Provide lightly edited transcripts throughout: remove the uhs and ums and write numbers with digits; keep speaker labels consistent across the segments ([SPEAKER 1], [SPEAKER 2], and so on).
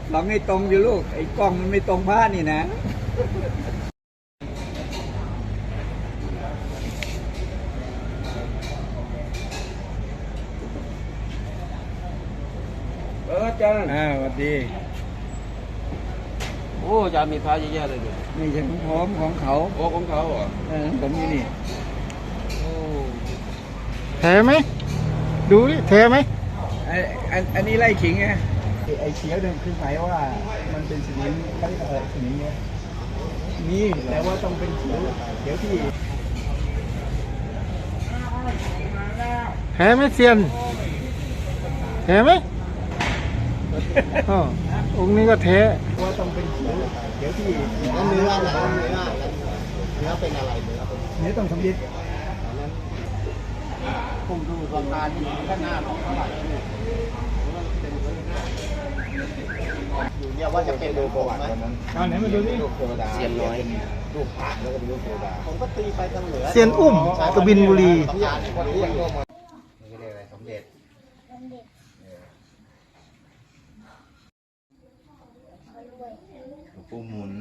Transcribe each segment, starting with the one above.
[SPEAKER 1] ลองให้ตรงอยู่ลูกไอ้กล้องมันไม่ตรงผ้านี่นะ
[SPEAKER 2] อาจารย์
[SPEAKER 1] สวัสดี
[SPEAKER 2] โอ้อาจารย์มีพระเยอะแยะเลยเนี่ย
[SPEAKER 1] นี่ใช่ของผมของเขา
[SPEAKER 2] โอ้ของเขาเหรอ
[SPEAKER 1] ผมนี่
[SPEAKER 2] โอ้
[SPEAKER 3] แท้ไหมดูดิแท้ไหม
[SPEAKER 1] อันนี้ไล่ขิงไงไอ้เขียวเนี่ยคือหมายว่ามันเป็นสนิมเขาเรียกอะไรสนิมเนี่ยนี่แต่ว่าต้องเป็นเขียวที่
[SPEAKER 3] แท้ไหมเซียนแท้ไหมอ๋อองค์นี้ก็แท้
[SPEAKER 1] ว่าต้องเป็นเขียวที่
[SPEAKER 4] แล้วเนื้ออะไรเนื้อเป็นอะไรเนื้อเป็น
[SPEAKER 1] เนื้อต้องสำลิด
[SPEAKER 4] ผมดูราคาที่ข้างหน้าของเท่าไหร่อยู่เนี่ยว่าจะเป็นดูประวัติวันนั้น
[SPEAKER 1] เอาไหนมาดูดิ
[SPEAKER 4] รูปเทวดาเสียนน้อยรูปพระแล้วก็เป็นรูปเทวดาผมก็ตีไปทางเหนือ
[SPEAKER 3] เซียนอุ้มกบินบุรี
[SPEAKER 4] นี่ก็เรียกอะไรสมเด็จหลวงปู่หมุน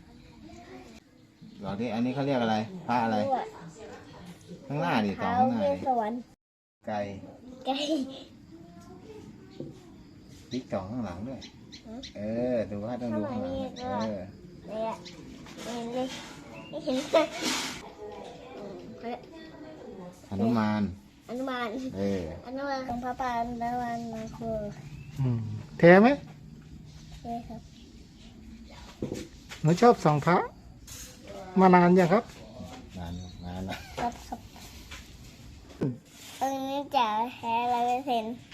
[SPEAKER 4] หลอดนี้อันนี้เขาเรียกอะไรพระอะไรข้างหน้าดิต่อข้างหน้าดิ
[SPEAKER 5] สวรรค์
[SPEAKER 4] ไก่
[SPEAKER 5] ไก่
[SPEAKER 4] ติ๊กต่อข้างหลังด้วยดูว่าต้องดูข้างหลัง
[SPEAKER 5] เนี่ยเห็นเลยไม่เห็นเลย
[SPEAKER 4] หนุมาน
[SPEAKER 5] อนุบาลอนุบาลของพระปานอนุบาลมาครู
[SPEAKER 3] แท้ไหม
[SPEAKER 5] ใช่ครับ
[SPEAKER 3] หนูชอบส่องพระมานานยังครับ
[SPEAKER 4] นานละ
[SPEAKER 5] ครับอันนี้จะแท้100%